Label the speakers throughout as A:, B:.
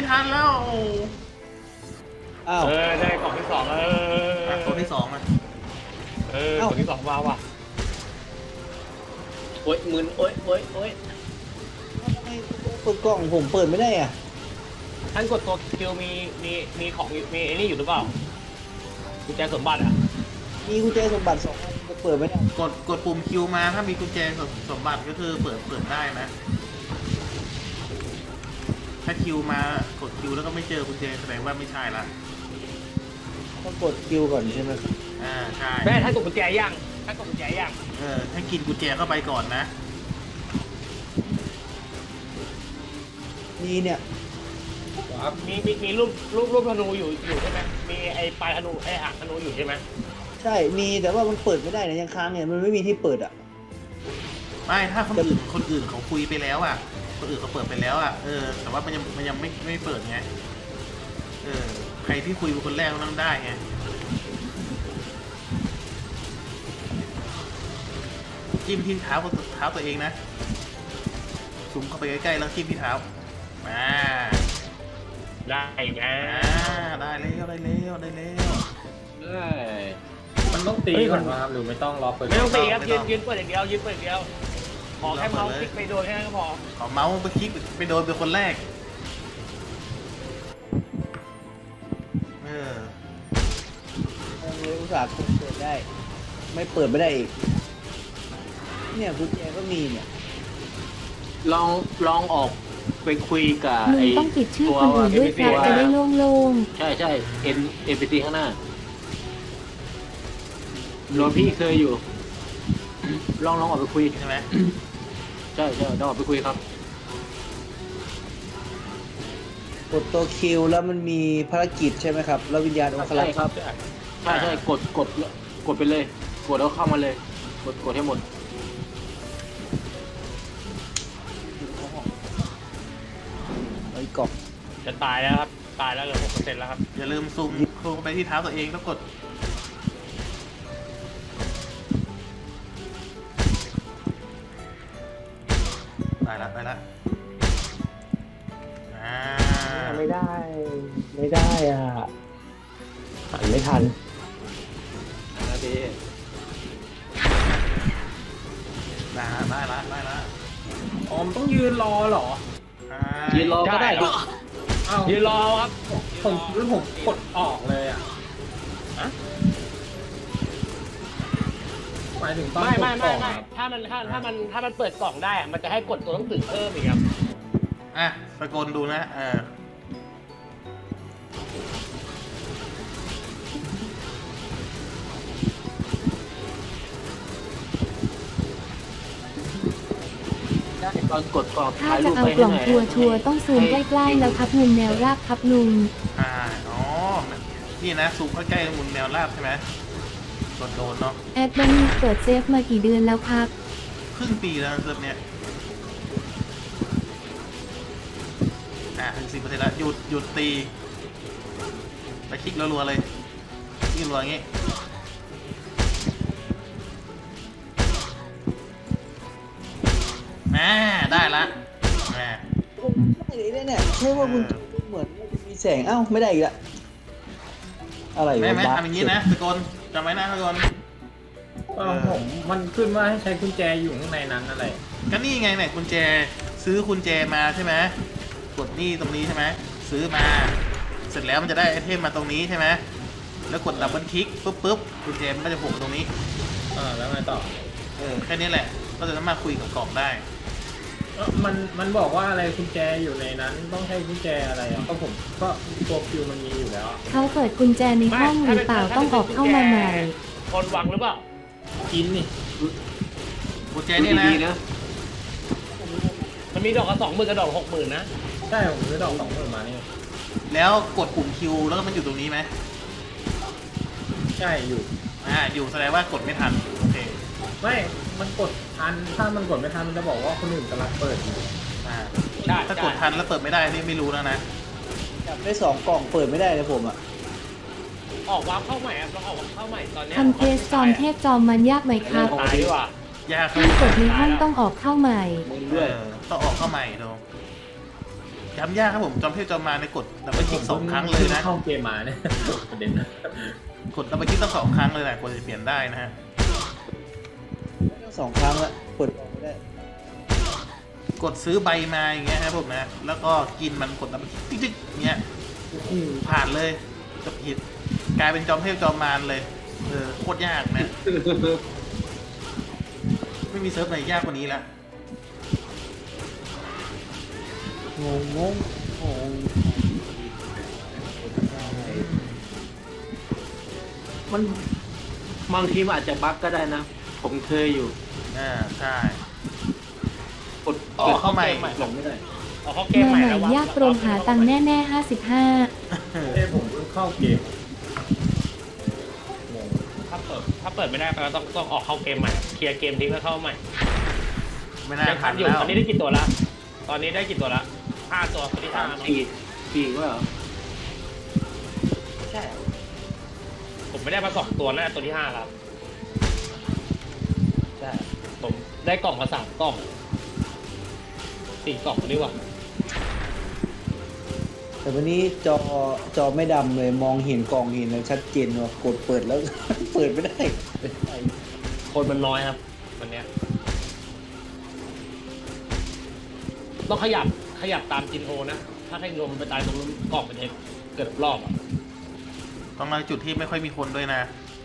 A: ทันแล้ว
B: อ้าว
C: ได้กล่องที่สอง
A: กล่องที่สองอ่ะ
C: กล่องที่สองมาว่ะ
B: โอ๊ยมึนโอ๊ยทำไมเปิดกล่องผมเปิดไม่ได้อ่ะ
C: ท่านกดตัวคิวมีของมีไอ้นี่อยู่หรือเปล่ากุญแจสมบัติอ่ะ
B: มีกุญแจสมบัติ2 อันเปิดไม่ได้
A: กดปุ่มคิวมาถ้ามีกุญแจสมบัติก็คือเปิดได้นะถ้าคิวมากดคิวแล้วก็ไม่เจอกุญแจแสดงว่าไม่ใช่ละ
B: ต้องกดคิวก่อนใช่ไหม
A: ใช่
C: แม่ท่านกดกุญแจยัง
A: ให้กินกุญแจเข้าไปก่อนนะ
B: นี่เนี่ย
C: มีรูปธนูอยู่ใช่ไหมมีไอ้ปลายธนูไอ้หางธนูอยู่ใช่ไหม
B: ใช่มีแต่ว่ามันเปิดไม่ได้นะยังค้างเนี่ยมันไม่มีที่เปิดอ่ะ
A: ไม่ถ้าคนอื่นเขาคุยไปแล้วอ่ะคนอื่นเขาเปิดไปแล้วอ่ะแต่ว่ามันยังไม่เปิดไงใครที่คุยเป็นคนแรกก็ต้องได้ไงจิ้มที่เท้าตัวเองนะซูมเข้าไปใกล้ๆแล้วจิ้มที่เท้ามา
C: ได้นะ
A: ได้แล้ว
D: มันต้องตีก่อนมาหรือไม่ต้องรอเปิด
C: ไม่ต้องตีครับยืนเปิดอย่างเดียวขอแค่เมาส์คลิกไปโดนแค่นั้นก็พอ
A: ขอเมาส์ไปคลิกไปโดนเป็นคนแรก
B: เลยอุตส่าห์เปิดได้ไม่เปิดไม่ได้อีกเนี่ยกุญแจก็มีเนี่ย
D: ลองออกไปคุยกับ
E: ลุงต้องปิดชื่อคนอื่นด้วยครับจะได้โล่ง
D: ๆใช่NPC ข้างหน้าโรพี่เคยอยู่ลองออกไปคุย
A: ใช่ไหม
D: ใช่ลองออกไปคุยครับ
B: กดตัวคิวแล้วมันมีภารกิจใช่ไหมครับแล้ววิญญาณองคลักษ์
D: ใช่ครับใช่กดไปเลยกดแล้วเข้ามาเลยกดให้หมด
B: ไอ้กล่อง
C: จะตายแล้วครับตายแล้วเหลือ 6% แล้วครับ
A: อย่าลืมซูมไปที่เท้าตัวเองแล้วกดไปละ
D: ไม่ได้อ่ะหันไม่ทันนะพี่
A: ได้ละ
D: อ๋อต้องยืนรอเหรอยืนรอก็ได้ครับ
C: ยืนรอครับ
D: ผมกดออกเลยอ่ะหมายถึงต้อง
C: ไม่ถ้ามันเปิดกล่องได้มันจะให้กดตัวหนังสือเพิ่มอีกครับ
A: สกลดูนะ
D: ตอนกดกล่อง
E: ถ้าจะเอากล่องชัวร์ต้องซูมใกล้ๆแล้วครับมุมแนวราบครับลุง
A: นี่นะซูมใกล้ๆมุมแนวราบใช่ไหมกดโดนเนาะ
E: แอดบันเปิดเซฟมากี่เดือนแล้วครับ
A: ครึ่งปีแล้วเซิร์ฟเนี้ยถึง10%แล้วหยุดตีไปคลิกรัวๆเลยคลิกรัวอย่างงี้ได้ละ
B: ได้เนี่ยใช่ว่าคุณเหมือนมีแสงไม่ได้อีกละอะไร
A: แม่ทำอย่างนี้นะสกลจำไว้นะสกล
D: ผมมันขึ้นว่าให้ใช้กุญแจอยู่ข้างในนั้นอะไร
A: ก็นี่ไงเนี่ยกุญแจซื้อกุญแจมาใช่ไหมกดนี่ตรงนี้ใช่ไหมซื้อมาเสร็จแล้วมันจะได้ไอเทมมาตรงนี้ใช่ไหมแล้วกดดับเบิลคลิกปุ๊บกุญแจมันก็จะโผล่ตรงนี้
D: แล้วไงต่อ
A: แค่นี้แหละก็จะสามารถคุยกับกล่องได้
D: มันบอกว่าอะไรกุญแจอยู่ในนั้นต้องใช้กุญแจอะไรก็ผมก็ตัวคิวมันมีอยู่แล้ว
E: เขาเปิดกุญแจในห้องหรือเปล่าต้องออกเข้ามาใหม่
C: คนวางหรือเปล่า
D: กินนี่
A: กุญแจนี่นะ
C: มันมีดอกละ20,000กับดอก60,000นะ
D: ใช่ผมซื้อดอก20,000มานี่
A: แล้วกดปุ่มคิวแล้วมันอยู่ตรงนี้ไหม
D: ใช่
A: อยู่แสดงว่ากดไม่ทันโอเค
D: ไม่มันกดทันถ้ามันกดไม่ทันมันจะบอกว่าคนอื่นกำลังเปิดอยู่
A: ใช่ถ้ากดทันแล้วเปิดไม่ได้นี่ไม่รู้แล้วนะ
B: จับได้2 กล่องเปิดไม่ได้เลยผม
C: ออกวาร์ปเข้าใหม่ครับลองออกเข้าใหม่ตอนนี้
E: ทำเทสจอมเทพจอมมันยากไหมครับ
C: ตายดีกว่า
A: ยาก
E: ถ้ากดในห้องต้องออกเข้าใหม่
A: ต้องออกเข้าใหม่ดูย้ำยากครับผมจอมเทพจอมมารในกดดับเบิลคลิก2 ครั้งเลยนะ
D: เข้าเกมมาเนี่ยประเด็นนะ
A: กดดับเบิลคลิกต้อง2 ครั้งเลยนะกว่าจะเปลี่ยนได้นะฮะ
B: 2 ครั้งละกดออกไม่ได้
A: กดซื้อใบมาอย่างเงี้ยครับผมนะแล้วก็กินมันกดดับเบิลคลิกติ๊กๆเงี้ยโอ้โหผ่านเลยจบผิดกลายเป็นจอมเทพจอมมารเลยโคตรยากนะ ไม่มีเซิร์ฟไหนยากกว่านี้ละ
B: งงงงงง
F: มันบางทีมันอาจจะบั๊กก็ได้นะ ผมเคยอยู่
A: ใช่
F: กด
A: อ๋อเข้าใหม่
F: หลงไม่ได้
C: เอาเข้าเกม
E: มา
C: ใหม่
E: ใหม่
C: แล้ววะ
E: ยากตรงหาตังค์แน่ๆ55
D: เอ้ผมเพิ่งเข้าเกมงง
C: ถ้าเปิดไม่ได้ก็ต้องออกเข้าเกมใหม่เคลียร์เกมทิ้งแล้วเข้าใหม่
A: ไม่น่า
C: ยัง
A: ทั
C: ทั
A: น
C: นอยู่
A: แล้ว
C: ตอนนี้ได้กี่ตัวละตอนนี้ได้กี่ตัวละ5 ตัวคนที่5เนอะ
F: สี่ว่าเหรอ
C: ใช่ผมไม่ได้มา2 ตัวนะตัวที่5ครับใช่ผมได้กล่องมา3 กล่อง4 กล่องดีกว่า
B: แต่วันนี้จอไม่ดำเลยมองเห็นกล่องเห็นแล้วชัดเจนว่ากดเปิดแล้ว เปิดไม่ได้
C: คนมันน้อยครับวันเนี้ยต้องขยับตามจินโฮนะถ้าให้ลมไปตายตรงนู้นกล่องมันจะเกิดรอบอ่ะ
A: ต้องมาจุดที่ไม่ค่อยมีคนด้วยนะ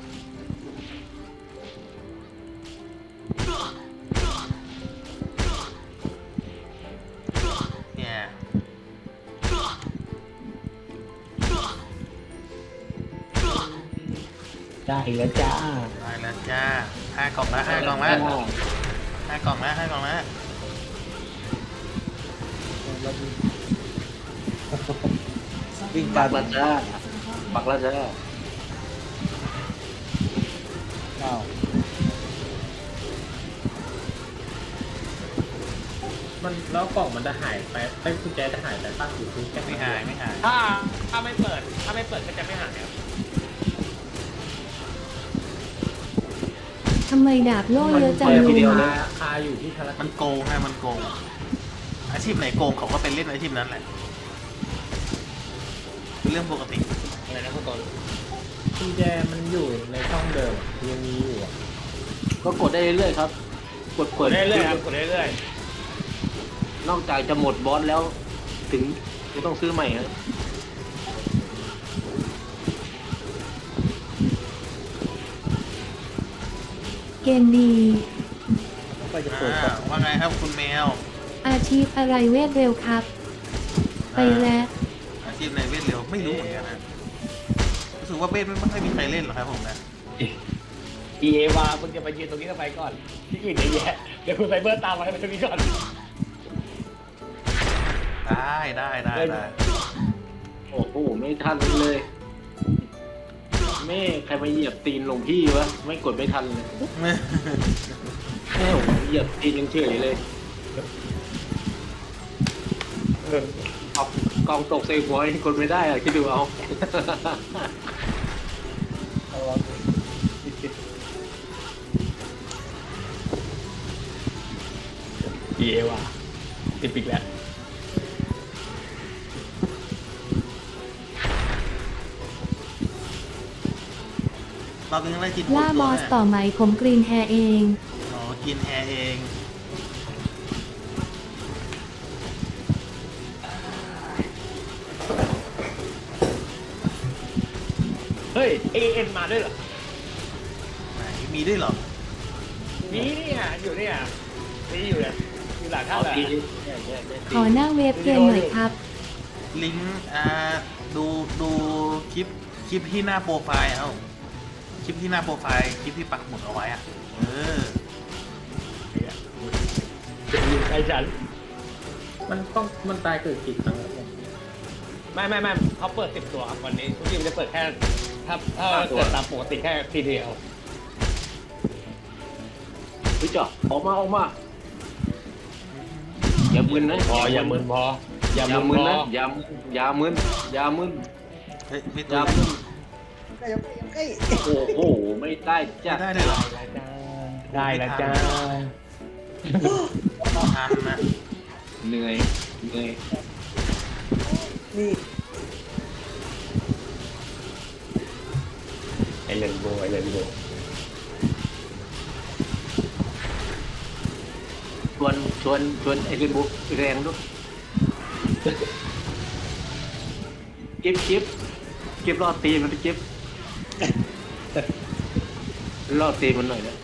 A: เนี่ย
F: ได้แล้วจ้า
A: ได้แล้วจ้า5 กล่องละ5 กล่องละ5 กล่องละ5 กล่องละ
B: วิ่ง
F: บั
B: ตาก ม
F: แล้วจ้าบักแล้วจ้า
B: อ้าว
D: มันแล้วกล่องมันจะหายไปไอ้กุญแจจะหายไปตั้งอยู่ที่แค่
A: ไม่หายไม่หาย
C: ถ้าไม่เปิดก็จะไม่หายครับ
E: ทำไมดาบโล่เยอะจัง
D: มัน
E: ลุง
D: คาอยู่ที่ภาร
A: มั
D: กิ
A: น
D: จ
A: โกงฮะมันโกง อาชีพไหนโกงเขาก็เป็นเล่นอาชีพนั้นแหละเป็นเรื่องปกติ
C: อะไรนะคุณต้น
D: กุญแจมันอยู่ในช่องเดิมยังมีอยู่อ่ะ
F: ก็กดได้เรื่อยๆครับ กด
C: กดได้เรื่อยๆครับกดได้เรื่อย
F: นอกจากจะหมดบอสแล้ว ถึงจะต้องซื้อใหม่ครับ
E: เกมดี
B: ก็จะเปิดก่อน
A: ว่าไงครับคุณแมว
E: อาชีพอะไรเวทเร็วครับ ไปแล้ว
A: อาชีพในเวทเร็วไม่รู้เหมือนกันนะรู้สึกว่าเวทไม่ค่อยมีใครเล่นหรอกครับผมนะ
C: ๆ EA มามึงจะไปยืนตรงนี้ก็ไปก่อนที่อื่นเยอะแยะเดี๋ยวคุณไซเบอร์ตามมาให้ไปตรงนี้ก่อน
A: ได้
F: โอ้โหไม่ทันเลยแม่ใครมาเหยียบตีนหลวงพี่วะไม่กดไม่ทันเลยแม่ผมเหยียบตีนยังเฉยเลยเอากองตกใส่หัวยังกดไม่ได้อะคิดดูเอา
C: EA ว่ะติดปิกแล้ว
A: เราเป็นอะไรกิน
E: ล่าบอสต่อไหมผมกรีนแฮร์เอง
A: อ๋อกินแฮร์เอง
C: เฮ้ย AN มาด้วยเหรอ
A: ไหนมีด้วยเหรอ
C: มีเนี่ยอยู่เนี่ยมีอยู่เนี่ยอยู่หลังท่า
F: เอา
C: แหละ
F: ตี
E: ขอหน้าเว็บเกมหน่อยครับ
A: ลิงก์ดูคลิปที่หน้าโปรไฟล์เอาคลิปที่หน้าโปรไฟล์คลิปที่ปักหมุดเอาไว้อะ
C: จะอยู่ใกล้ฉัน
D: มันตายเกิดกี่ครั้งแล้วเนี่ย
C: ไม่เขาเปิด10 ตัวครับวันนี้ทุกทีมจะเปิดแค่ถ้าเกิดตามปกติแค่ทีเดียว
F: เฮ้ยจ่อออกมาอย่ามึนนะ
C: พออย่ามึนพออย่า
F: อย่า
C: มึ
F: มึ
C: น
F: น
C: พอ
F: นะอย่ามึน
A: เฮ้ยไม่
F: อ
A: ตัว
F: ย่ามึน
B: ใกล้ใกล้
F: โอ้โหไม่ได้จ้ะ
A: ได้เลยเหรอ
C: ได้แล้วจ้า
A: ทันนะ
F: เหนื่อย
B: นี่
C: ไอเลนโบไอเลนโบ
F: ชวนไอ้เรนโบว์แรงด้วยเก็บรอดตีมันไปเก็บรอดตีมันหน่อยนะ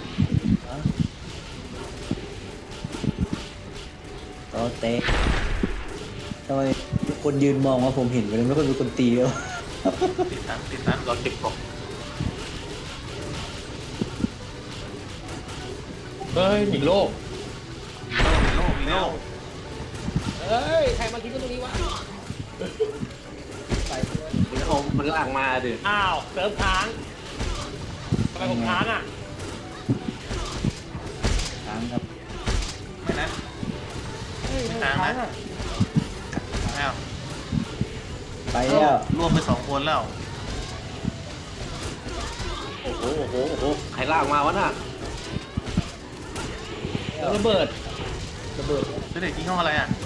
B: ต่อเตะทำไมคนยืนมองว่าผมเห็นมันไม่ค่อยมีคนตีแล้ว
A: ติดตัน
F: รอเก็บของ
C: เฮ้ยหนีโลก
A: มีโลก
C: เฮ้ยใครมาทิ้งกันตรงนี้วะ
F: มันลากมาดิ
C: อ้าวเติมค้างทำไมผมค้างอ่ะ
B: ค้างครับ
A: ไม่นะไม่ค้างนะแล้ว
B: ไปแล้ว
A: รวมไป2 คนแล้ว
F: โอ้โหใครลากมาวะน่ะ
C: แล้วระเบิด
A: เด็กที่ห้องอะไรอ่ะ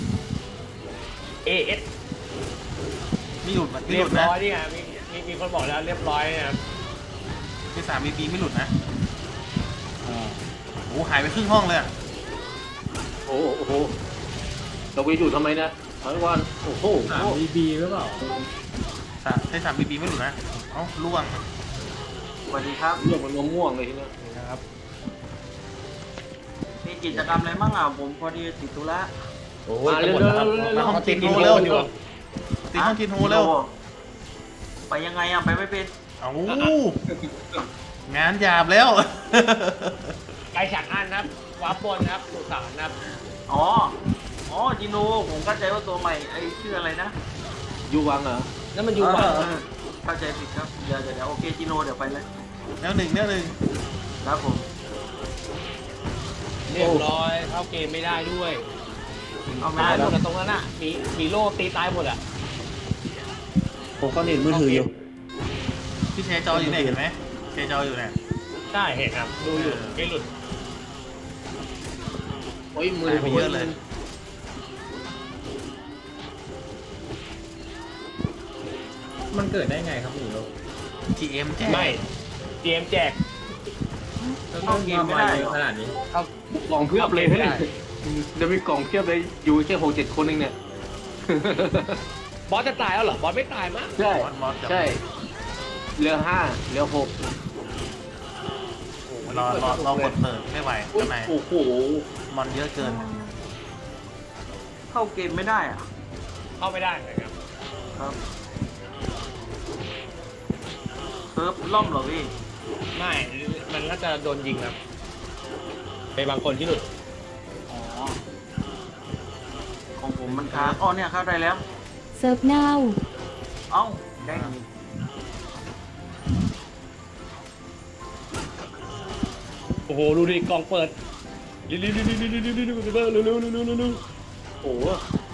C: AS
A: ไม่หลุดไม่ห
C: เรีย
A: ลุ
C: บ
A: ดนะ
C: ร้อยนี่ไงมีคนบอกแล้วเรียบร้อยนะครับ
A: ที่3 BP ไม่หลุดนะ
B: อ่า
A: โอ้หายไปครึ่งห้องเลยอ่ะ
F: โอ้โหเราไปอยู่ทำไมนะถอยวันโอ้โห
D: 3BB หรือเปล่า
A: ที่3 BP ไม่หลุดนะเอ้าล่วง
F: สวัสดีครับเรื่องมันม่วงเลยทีนี้
C: นะครับ
G: มีกิจกรรมอะไรบ้างอ่ะผมพอดีติดธุระ
C: โอ้ยจะหมดแล้วครับ
A: มาห้อง
C: เขา
A: ติ
C: ติ
A: ด
C: ด
A: โท
C: กิน
A: ร
C: โฮ
A: เร็ว
C: อยู่
A: ตีห้องทินโฮเร็ว
G: ไปยังไงอ่ะไปไม่เป็น
A: เอ้า งานหยาบแล้ว
C: ไกลฉากอันครับวาร์ปบนครับสุสานครับ
G: อ๋อจิโนผมเข้าใจว่าตัวใหม่ไอ้ชื่ออะไรนะ
F: ยูวังเหรอ
C: นั่นมันอยู่
G: เอ
C: ว่า
G: อเข้าใจผิดครับเดี๋ยวโอเคจิโนเดี๋ยวไปเลย
A: แนวหนึ่ง
G: ครับผม
C: เรียบร้อยเข้าเกมไม่ได้ด้วย
G: เอาไม่
C: ตาย
G: ได้
C: หมดอะตรงนั้นอ่ะมีโล่ตีตายหมดอ่ะ
B: ผมก็เน็ตมือถืออยู่
A: พี่แชร์จออยู่ไหนเห็นไหมแชร์จออยู่เนี่ย
C: ใช่เห็นครับดูอยู่ไม่หลุด
F: โอ้ยมือ
A: หายไปเยอะเลย
D: มันเกิดได้ไงครับหนูโลก
A: GM แจ้ง
C: ไม่เตรียมแจก
G: เข้าเกมไม่ได้เหรอ
D: ขนาดนี้
C: เข้าก
F: ล่องเพียบเลยเนี่ยเดี๋ยวมีกล่องเพียบเลยอยู่แค่6-7 คนเองเนี่ย
C: บอสจะตายแล้วเหรอบอสไม่ตายมั้ง
F: ใช่
A: มอสกับ
F: ใช่เหลือ5เหลือ6
A: รอกดเปิดไม่ไหวข้างใน
F: โอ้โห
A: มอนเยอะเกิน
G: เข้าเกมไม่ได้อ่ะ
C: เข้าไม่ได้เลยครับ
G: ครับเซิร์ฟล่มเหรอพี่
C: ไม่มันน่าจะโดนยิงครับไปบางคนที่หลุด
G: อ๋อของผมมันค้างอ๋อเนี่ยเข้าได้แล้ว
E: เซิร์ฟเน่า
G: เอ้าได้
C: โอ้โหดูดิกล่องเปิดเร็ว
F: โอ้โห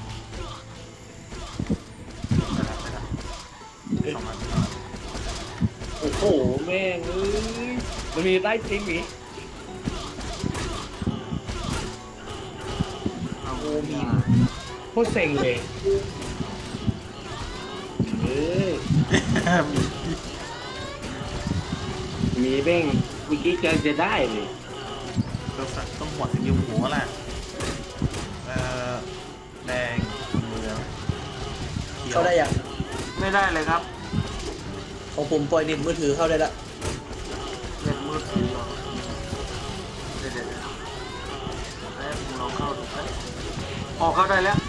F: โอ้โหแม่งเอ้ย
C: มันมีใต้ตีนหมี
G: เอามี
C: โคตรเซ็งเลย
F: เอ้ยมีแม่งเมื่อกี้จะได้เลย
A: ต้องหัวสกิลหัวล่ะแดงเหลืองเขียว
B: เข้าได้ยัง
G: ไม่ได้เลยครับ
B: ของผมปล่อยเน็ตมือถือเข้าได้ละ
G: เน็ตมือถือเหรอเดี๋ยวแล้วผมลองเข้าดูครับออกเข้าได้แล้ว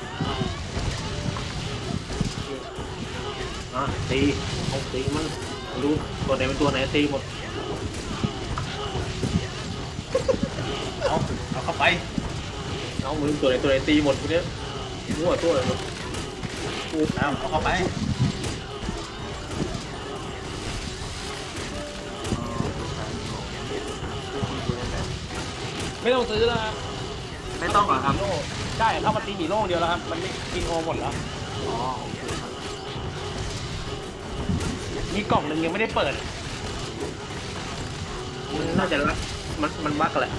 F: อ่ะตีเอาตีมันรู้ตัวไหนเป็นตัวไหนตีหมด
A: เอาเข้าไป
F: เอามือตัวไหนตีหมดทีเนี้ยมั่วตัวเลยหมด
A: เอาเข้าไป
C: ไม่ต้องซื้อแล้วครับ
G: ไม่ต้องเหรอครับ
C: โล่ใช่เข้ามาตีหมีโล่เดียวแล้วครับมันไม่กินโอหมดแล้ว
G: อ๋อโอเคครับ
C: มีกล่องหนึ่งยังไม่ได้เปิด
F: น่าจะรักมันบักแหละ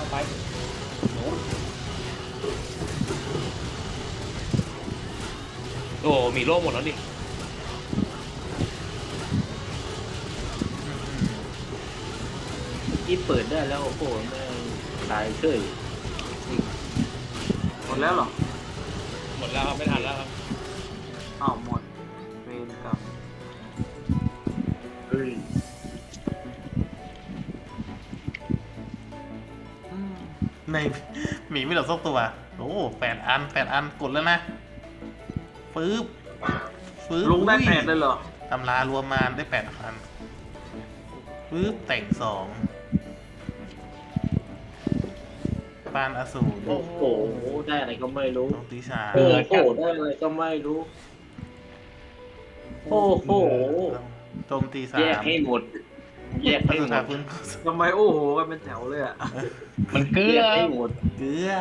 C: ไปโน้นโอ้มีโล่หมดแล้วดิ
F: ที่เปิดได้แล้วโอ้โหแม่งตายเฉย
G: หมดแล้วเหรอ
C: หมดแล้วครับไม่ทันแล้วครับ
G: อ้าวหมดเวรกรรม
F: เฮ้ย
A: ในหมีไม่เหลือสักตัว โอ้8 อันกดแล้วนะฟื้บ
G: ลุงได้
A: อุ้ย
G: 8เลยเหรอ
A: ตำรารวมมาได้8 อันฟื้บแต่ง2ปานอสูร
F: โอ้โหได้อะไรก็ไม่รู้
A: โจมตีสาม
F: โอ้โหได้อะไรก็ไม่รู้ โอ้โห
A: โจมตีสา
F: แยก
A: ม
F: ให้หมด แยก
A: พั
F: ให้
A: ฒ
F: หม
A: นา
F: ด
A: พื้น
G: ทำไมโอ้โหกันเป็นแถวเลยอ่ะ
C: มันเกลื
F: แย
C: อก
F: ให้หมด
A: เกลือ